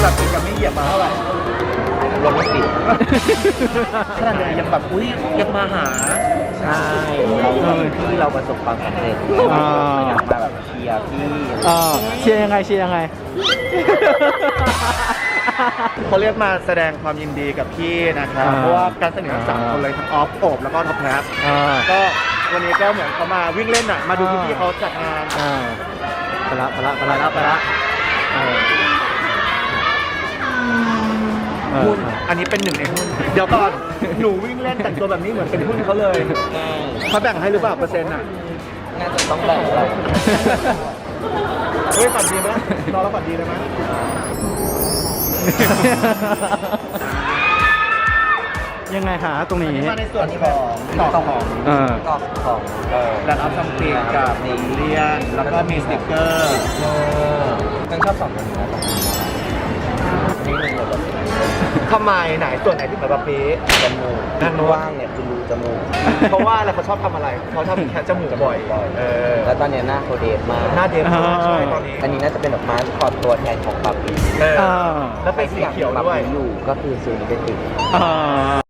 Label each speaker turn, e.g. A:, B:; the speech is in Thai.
A: หลับยังไม่เหยียบมาเท่าไหร่รถไม่ติดขนาดนี้ยังแบบอุ้ยยังมาหาใช่ที่เราประสบความสำเร็จอยากมาแบบเชียร์พี่
B: เชียร์ยังไงเชียร์ยังไง
A: เขาเรียกมาแสดงความยินดีกับพี่นะครับเพราะว่าการเสนอ3คนเลยทั้งออฟโอบแล้วก็ท็อปแพสก็วันนี้ก็เหมือนเขามาวิ่งเล่นอ่ะมาดูพี่ๆเขาจัดงาน
B: ไปละ
A: หุ้นอันนี้เป็นหนึ่งในหุ้นเดี๋ยวก่อนหนูวิ่งเล่นแต่งตัวแบบนี้เหมือนเป็นหุ้นเขาเลยเขาแบ่งให้หรือเปล่าเปอร์เซ็นต์อ่ะน่าจะต้องแบ่งเราเฮ้ยฝันดีไหมนอนแล้วฝันดีเลยไหม
B: ยังไงหาตรงนี้
A: มาในส่วนของต่อของดันอัพซัมติงกับเลียนแล้วก็มีสติ๊กเกอร์ฉันชอบ2คนนี้นะนี่หนึ่งเลยทำไมไหนส่วนไหนที่แบบปี๊จมูกนั่นว่างเนี่ยคือรูจมูกเพราะว่าอะไรเขาชอบทำอะไรเขาชอบแค่จมูกบ่อยแล้วตอนนี้หน้าเขาเดฟมากหน้าเดฟใช่ตอนนี้อันนี้น่าจะเป็นดอกไม้คอตัวแทนของปาปีแล้วเป็นสีเขียวด้วยอยู่ก็คือซูนิเบติ